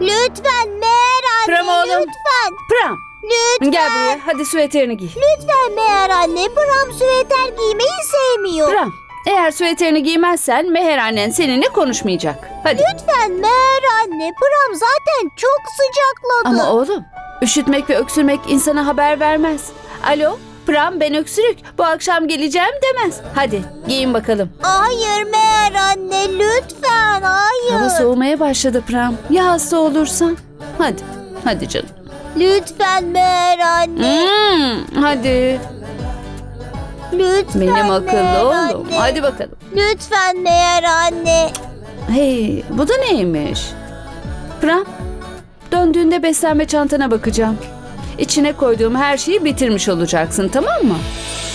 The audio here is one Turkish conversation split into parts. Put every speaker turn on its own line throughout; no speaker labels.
Lütfen Meğer anne,
Pram oğlum.
lütfen.
Pram,
Lütfen.
gel buraya. Hadi süveterini giy.
Lütfen Meğer anne, Pram süveter giymeyi sevmiyor.
Pram, eğer süveterini giymezsen Meher annen seninle konuşmayacak. Hadi.
Lütfen Meğer anne, Pram zaten çok sıcakladı.
Ama oğlum, üşütmek ve öksürmek insana haber vermez. Alo, Pram ben öksürük. Bu akşam geleceğim demez. Hadi giyin bakalım.
Hayır Meğer anne, lütfen hayır.
Hava soğumaya başladı Pram. Ya hasta olursan? Hadi, hadi canım.
Lütfen Meğer anne,
Hadi.
lütfen
Benim
Meğer
akıllı oğlum.
anne.
Hadi bakalım.
Lütfen Meğer anne.
Hey, bu da neymiş? Pram, döndüğünde beslenme çantana bakacağım. İçine koyduğum her şeyi bitirmiş olacaksın, tamam mı?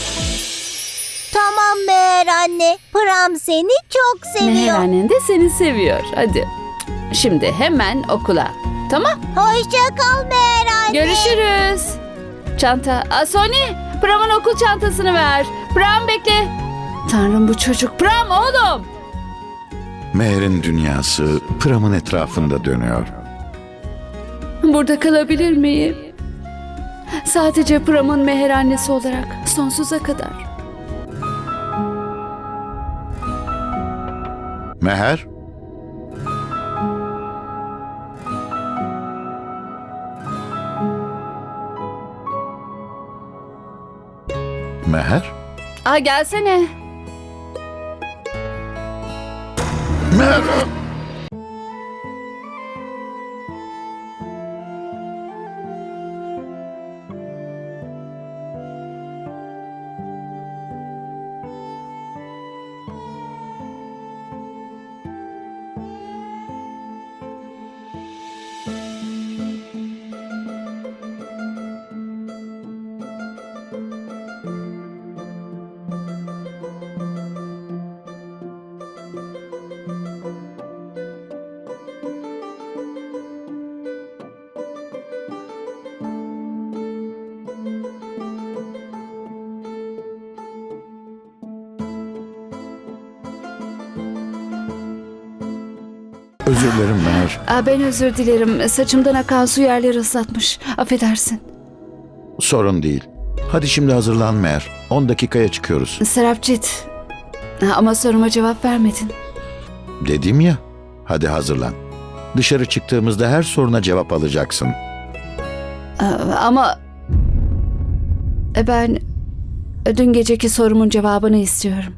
Tamam Meğer anne, Pram seni çok
Meher
seviyor.
annen de seni seviyor. Hadi. Şimdi hemen okula. Tamam?
Hoşça kal Meğer anne.
Görüşürüz. Çanta. Sony, Pram'ın okul çantasını ver. Pram bekle. Tanrım bu çocuk. Pram oğlum.
Meher'in dünyası Pram'ın etrafında dönüyor.
Burada kalabilir miyim? Sadece Pram'ın Meher annesi olarak sonsuza kadar.
Meher? Meher?
Gelsene.
Meher! Özür dilerim Meher.
Ben özür dilerim. Saçımdan akan su yerleri ıslatmış. Affedersin.
Sorun değil. Hadi şimdi hazırlan Meher. 10 dakikaya çıkıyoruz.
Serapcit. Ama soruma cevap vermedin.
Dedim ya. Hadi hazırlan. Dışarı çıktığımızda her soruna cevap alacaksın.
Ama ben dün geceki sorumun cevabını istiyorum.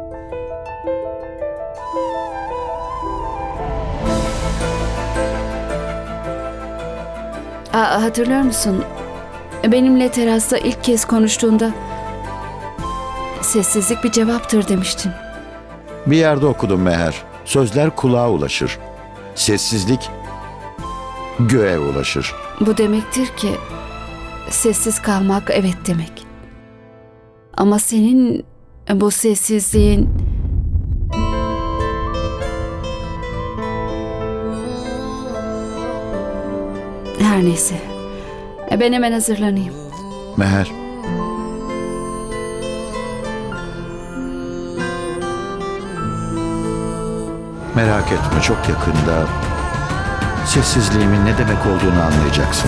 Hatırlıyor musun? Benimle terasta ilk kez konuştuğunda sessizlik bir cevaptır demiştin.
Bir yerde okudum Meher. Sözler kulağa ulaşır. Sessizlik göğe ulaşır.
Bu demektir ki sessiz kalmak evet demek. Ama senin bu sessizliğin her neyse. Ben hemen hazırlanayım.
Meher. Merak etme, çok yakında sessizliğimin ne demek olduğunu anlayacaksın.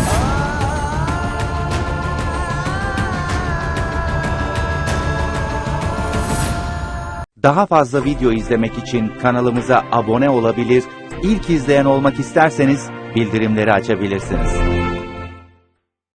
Daha fazla video izlemek için kanalımıza abone olabilir, ilk izleyen olmak isterseniz bildirimleri açabilirsiniz.